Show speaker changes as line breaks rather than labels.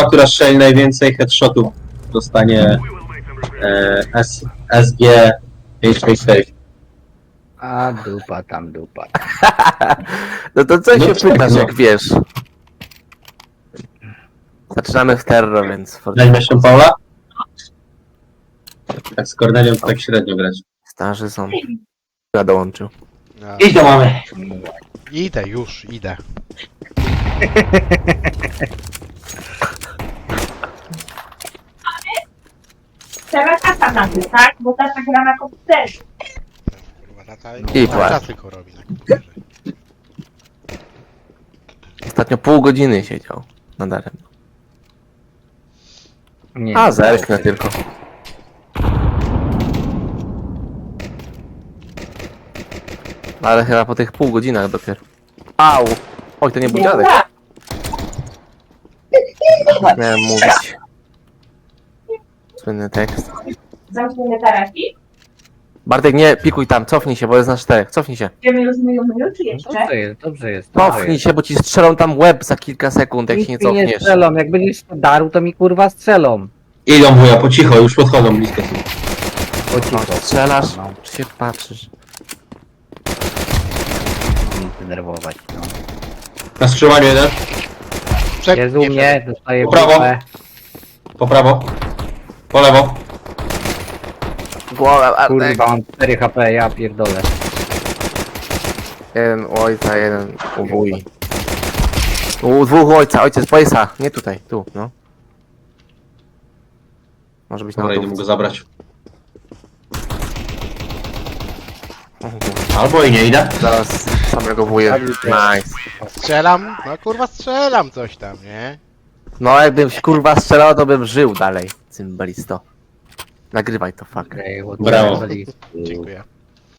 która strzeli najwięcej headshotów, dostanie SG 566.
A dupa tam dupa.
No to co
No
się
tak,
pytasz,
no.
jak wiesz? Zaczynamy w terror, więc...
Weźmie się Paula? Tak z Cornelią to tak średnio grać.
Starzy są. Ja dołączył.
No.
Idź do mamy!
Idę już, idę.
Teraz tata na tym, tak? Bo tata gra na komputerze.
Kurwa, tata
I
cały
płacz.
czas tylko robi na komputerze.
Ostatnio pół godziny siedział na darem.
Nie,
A, zerknę tylko. Ale chyba po tych pół godzinach dopiero. Au! Oj, to nie był dziadek. Miałem mówić. Słynny tekst.
Zamkniemy taraki.
Bartek, nie pikuj tam, cofnij się, bo jest na 4. Cofnij się.
Idziemy już myju, czy jeszcze?
Dobrze jest, dobrze jest.
Cofnij się, bo ci strzelą tam łeb za kilka sekund, jak się nie
Nic mi nie
cofniesz.
strzelą, jak będziesz to darł, to mi kurwa strzelą.
Idą wuja, po cicho, już podchodzą blisko.
Po cicho.
Strzelasz?
No,
Czy się patrzysz?
nie denerwować, no.
Na skrzyżowaniu jeden,
Jest u mnie, dostaję
Po prawo.
bufę.
po prawo, po lewo.
Głowę, Bartek.
Kurwa, mam 4 HP, ja pierdolę.
Jeden u ojca, jeden u wuj. U dwóch u ojca, ojciec pojesa. Nie tutaj, tu, no. Może być na
Dobra, idę mu
lodówce.
go zabrać. Albo i nie idę.
Zaraz samego wuja. Nice.
Strzelam? No kurwa strzelam coś tam, nie?
No jakbym się kurwa strzelał, to bym żył dalej. Cymbalisto. Nagrywaj to, fuck.
Okej,
Brawo.
Dziękuję.